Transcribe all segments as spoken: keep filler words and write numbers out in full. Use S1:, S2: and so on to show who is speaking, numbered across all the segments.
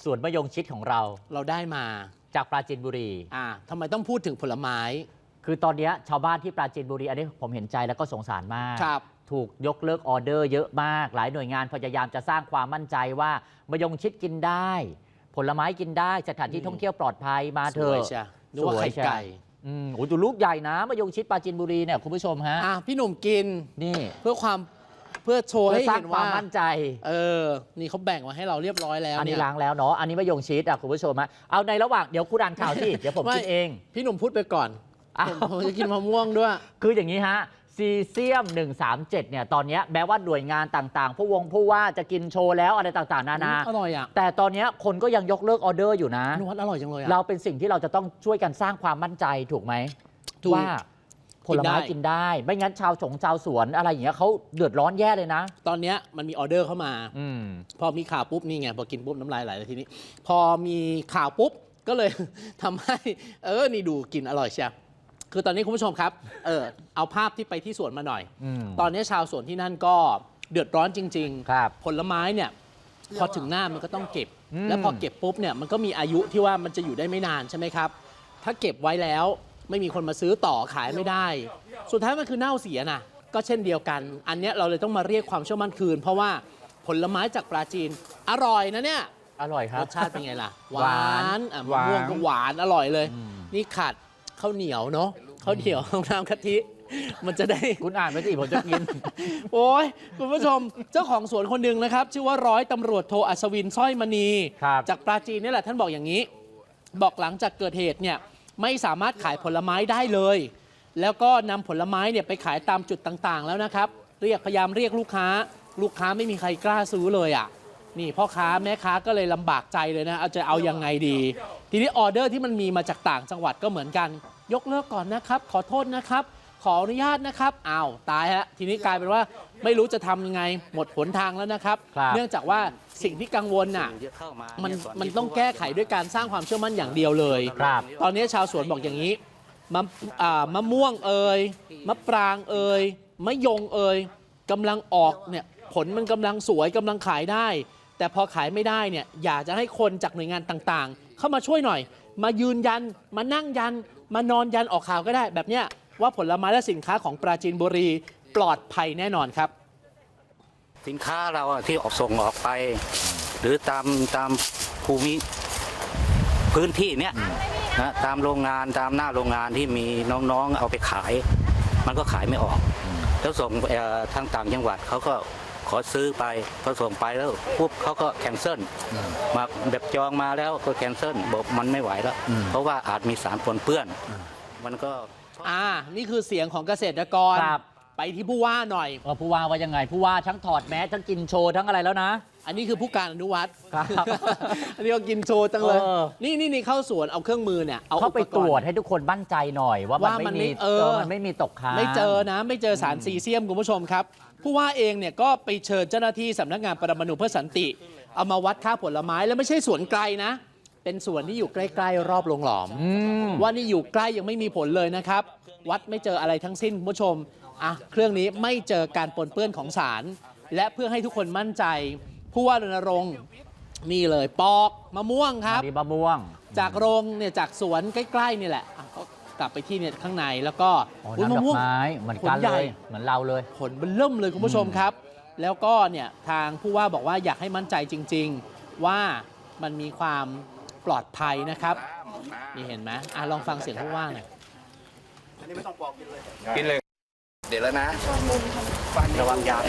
S1: วนมะยงชิดของเรา
S2: เราได้มา
S1: จากปราจีนบุรี
S2: อ่าทำไมต้องพูดถึงผลไม้
S1: คือตอนนี้ชาวบ้านที่ปราจีนบุรีอันนี้ผมเห็นใจแล้วก็สงสารมากถูกยกเลิกออเดอร์เยอะมากหลายหน่วยงานพยายามจะสร้างความมั่นใจว่ามะยงชิดกินได้ผลไม้กินได้สถานที่ท่องเที่ยวปลอดภัยมาเถอะ
S2: สวยไข่ไก่
S1: อืมโอ้ดูลูกใหญ่นะมะยงชิดปราจีนบุรีเนี่ยคุณผู้ชมฮะ
S2: อ่ะพี่หนุ่มกิน
S1: นี่
S2: เพื่อความเพื่อโชว์ให้เห็นว่า
S1: มั่นใจ
S2: เออนี่เขาแบ่งมาให้เราเรียบร้อยแล้ว
S1: อันนี้ล้างแล้วเนาะอันนี้มะยงชิดอ่ะคุณผู้ชมฮะเอาในระหว่างเดี๋ยวคุณอ่านข่าวสิเดี๋ยวผมกินเอง
S2: พี่หนุ่มพูดไปก่อนผมจะกินมะม่วงด้วย
S1: คืออย่างนี้ฮะซีเซียมหนึ่งสามเจ็ดเนี่ยตอนนี้แม้ว่าหน่วยงานต่างๆผู้วงผู้ว่าจะกินโชว์แล้วอะไรต่างๆนานา
S2: อร่อยอ่ะ
S1: แต่ตอนนี้คนก็ยังยกเลิกออเดอร์อยู่นะ
S2: นวัดอร่อยจังเลย
S1: เราเป็นสิ่งที่เราจะต้องช่วยกันสร้างความมั่นใจถูกไหมว่าผลไม้กินได้ไม่งั้นชาวสงชาวสวนอะไรอย่างเงี้ยเขาเดือดร้อนแย่เลยนะ
S2: ตอนนี้มันมีออเดอร์เข้ามาอพอมีข่าวปุ๊บนี่ไงพอกินปุ๊บน้ำลายไหลเลยทีนี้พอมีข่าวปุ๊บก็เลยทำให้เออนี่ดูกินอร่อยเชียวคือตอนนี้คุณผู้ชมครับเออเอาภาพที่ไปที่สวนมาหน่อยตอนนี้ชาวสวนที่นั่นก็เดือดร้อนจริงๆผลไม้เนี่ยพอถึงหน้ามันก็ต้องเก็บแล้วพอเก็บปุ๊บเนี่ยมันก็มีอายุที่ว่ามันจะอยู่ได้ไม่นานใช่ไหมครับถ้าเก็บไว้แล้วไม่มีคนมาซื้อต่อขายไม่ได้สุดท้ายมันคือเน่าเสียนะก็เช่นเดียวกันอันนี้เราเลยต้องมาเรียกความเชื่อมั่นคืนเพราะว่าผลไม้จากปราจีนอร่อยนะเนี่ย
S1: อร่อยครับ
S2: รสชาติเป็นไงล่ะหวานมะม่วงก็หวานอร่อยเลยนี่ขาดข้าวเหนียวเนาะข้าวเหนียวน้ำกะทิมันจะได้
S1: คุณอ่านไม่สิผมจะกิน
S2: โอ้ยคุณผู้ชมเจ้าของสวนคนหนึ่งนะครับชื่อว่าร้อยตำรวจโทอัศวินสร้อยมณีจากปราจีนนี่แหละท่านบอกอย่างนี้บอกหลังจากเกิดเหตุเนี่ยไม่สามารถขายผลไม้ได้เลยแล้วก็นำผลไม้เนี่ยไปขายตามจุดต่างๆแล้วนะครับเรียกพยายามเรียกลูกค้าลูกค้าไม่มีใครกล้าซื้อเลยอ่ะนี่พ่อค้าแม่ค้าก็เลยลำบากใจเลยนะเอาจะเอายังไงดีทีนี้ออเดอร์ที่มันมีมาจากต่างจังหวัดก็เหมือนกันยกเลิกก่อนนะครับขอโทษนะครับขออนุญาตนะครับอ้าวตายฮะทีนี้กลายเป็นว่าไม่รู้จะทำยังไงหมดหนทางแล้วนะครับเนื่องจากว่าสิ่งที่กังวลน่ะมันมันต้องแก้ไขด้วยการสร้างความเชื่อมั่นอย่างเดียวเลยตอนนี้ชาวสวนบอกอย่างนี้มะมะม่วงเอ่ยมะปรางเอ่ยมะยงเอ่ยกำลังออกเนี่ยผลมันกำลังสวยกำลังขายได้แต่พอขายไม่ได้เนี่ยอยากจะให้คนจากหน่วยงานต่างๆเข้ามาช่วยหน่อยมายืนยันมานั่งยันมานอนยันออกข่าวก็ได้แบบเนี้ยว่าผลไม้และสินค้าของปราจีนบุรีปลอดภัยแน่นอนครับ
S3: สินค้าเราที่ออกส่งออกไปหรือตามตามภูมิพื้นที่เนี้ยนะตามโรงงานตามหน้าโรงงานที่มีน้องๆเอาไปขายมันก็ขายไม่ออกแล้วส่งทางต่างจังหวัดเขาก็ขอซื้อไปพอส่งไปแล้วปุ๊บเขาก็แคนเซิลมาแบบจองมาแล้วก็แคนเซิลบอกมันไม่ไหวแล้วเพราะว่าอาจมีสารปนเปื้อนมันก็
S2: อ่านี่คือเสียงของเกษตรกรไปที่ผู้ว่าหน่อย
S1: ว่าผู้ว่าว่ายังไงผู้ว่าทั้งถอดแมสทั้งกินโชว์ทั้งอะไรแล้วนะ
S2: อันนี้คือผู้การอนุวัฒน์อันนี้ก็กินโชว์ตั้งเลยนี่นี่นี่เข้าสวนเอาเครื่องมือเนี่ย
S1: เอาเข้าไปตรวจให้ทุกคนมั่นใจหน่อยว่ามันไม่มีเออมันไม่มีตกค้าง
S2: ไม่เจอนะไม่เจอสารซีเซียมคุณผู้ชมครับผู้ว่าเองเนี่ยก็ไปเชิญเจ้าหน้าที่สำนักงานปรมาณูเพื่อสันติเอามาวัดค่าผลไม้แล้วไม่ใช่สวนไกลนะเป็นสวนที่อยู่ใกล้ๆรอบโรงหลอมว่านี่อยู่ใกล้ยังไม่มีผลเลยนะครับวัดไม่เจออะไรทั้งสิ้นคุณผู้ชมอ่ะเครื่องนี้ไม่เจอการปนเปื้อนของสารและเพื่อให้ทุกคนมั่นใจผู้ว่ารณรงค์นี่เลยปอกมะม่วงครับ
S1: มะม่วง
S2: จากโรงเนี่ยจากสวนใกล้ๆนี่แหละกลับไปที่เนี่ยข้างในแล้วก็
S1: มะม่วงเหมือนกันเลยเหมือนเราเลย
S2: ผลเบิ่มเลยคุณผู้ชมครับแล้วก็เนี่ยทางผู้ว่าบอกว่าอยากให้มั่นใจจริงๆว่ามันมีความปลอดภัยนะครับนี่เห็นไหมอ่ะลองฟังเสียงผู้ว่าหน่อย
S4: อันนี้ไม่ต้องปอกกินเลยกินเลยเดี๋ยวแล้วนะ
S3: ระวังยา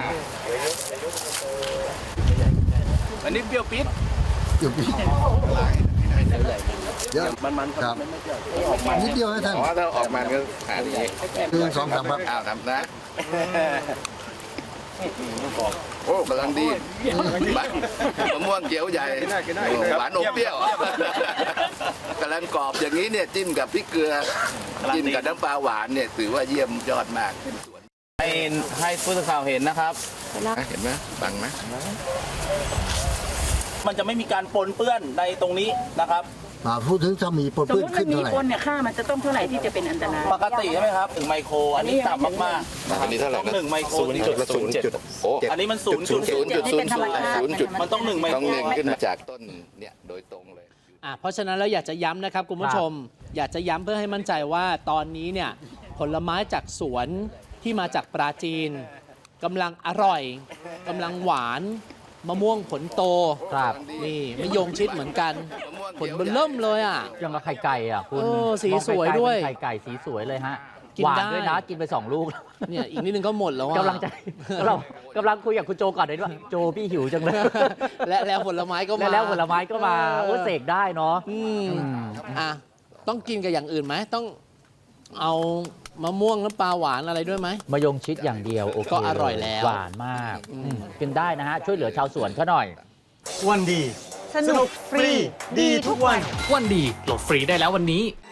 S4: อันนี้เปรี้ยวปิด
S5: เปรี้ยวปิดเยอะ
S4: มันมัน
S5: ครับนิดเดียวนะท่าน
S4: อ๋อถ้าออกมาก็หาดี
S5: หนึ่งสองสามครับ
S4: อ้าวทำนะโอ้กำลังดีมะม่วงเขียวใหญ่หวานอมเปรี้ยวกำลังกรอบอย่างนี้เนี่ยจิ้มกับพริกเกลือจิ้มกับน้ำปลาหวานเนี่ยถือว่าเยี่ยมยอดมาก
S3: ให้ให้ผู้สื่อข่าวเห็นนะครับ
S4: เห็นไหมบังไหม
S3: มันจะไม่มีการปนเปื้อนในตรงนี้นะครับ
S5: อ่าพูดถึงถ้ามีปน
S6: สม
S5: เปื้
S6: ม
S5: อน
S6: ติมั
S5: ขึ้
S6: น
S5: น
S6: มี
S5: เท่าไหร่
S6: คนเนี่ยค่ามันจะต้องเท่าไหร่ที่จะเป็นอันตราย
S7: ปกติใช่ไหมครับถึงไมโคร อันนี้ต่ำมากๆ
S4: อันนี้เท่าไหร่
S7: ต้อง
S4: นะ
S7: หนึ่งไมโคร
S4: ศูนย์จุดศูนย์จุดโอ้
S7: อันนี้มันศูนย์จุด
S4: ศูนย์จุดศูนย์ศูนย์ศูนย์จุด
S7: มันต้องหนึ่งไมโคร
S4: ต้องหนึ่งขึ้นมาจากต้นเนี่ยโดยตรงเลย
S2: อ่ะเพราะฉะนั้นเราอยากจะย้ำนะครับคุณผู้ชม อยากจะย้ำเพื่อให้มั่นใจว่าตอนนี้เนี่ยผลไม้จากสวนที่มาจากปราจีนกำลังอร่อยกำลังหวานมะม่วงผลโต
S1: ครับ
S2: นี่มะยงชิดเหมือนกันผลเบนเริ่มเลยอ่ะ
S1: ยังกับไข่ไก่อ่ะคุณ
S2: เออสี
S1: มองไกลๆ
S2: สวยด้วย
S1: เป็นไข่ไก่สีสวยเลยฮะ
S2: กิน
S1: หวาน
S2: ได้
S1: ด้วยนะกินไปสองลูก
S2: เนี่ยอีกนิดนึงก็หมดแล้วอ่ะ
S1: กำลังใจกำลังกำลังคุยกับคุณโจก่อนเลยว่าโจพี่หิวจังเลย
S2: และแล้วผลไม้ก็มา
S1: แล้วแล้วผลไม้ก็มา
S2: เออ
S1: โอ้เสกได้เนาะ
S2: อืม
S1: อืม
S2: อ่ะต้องกินกับอย่างอื่นไหมต้องเอามะม่วงน้ำปลาหวานอะไรด้วยไหม
S1: มายงชิดอย่างเดียวโอเค
S2: ก็อร่อยแล้ว
S1: หวานมากอืมกินได้นะฮะ ช่วยเหลือชาวสวนเขาหน่อย
S8: วันดี สนุกฟรี ดีทุกวัน วันดีโหลดฟรีได้แล้ววันนี้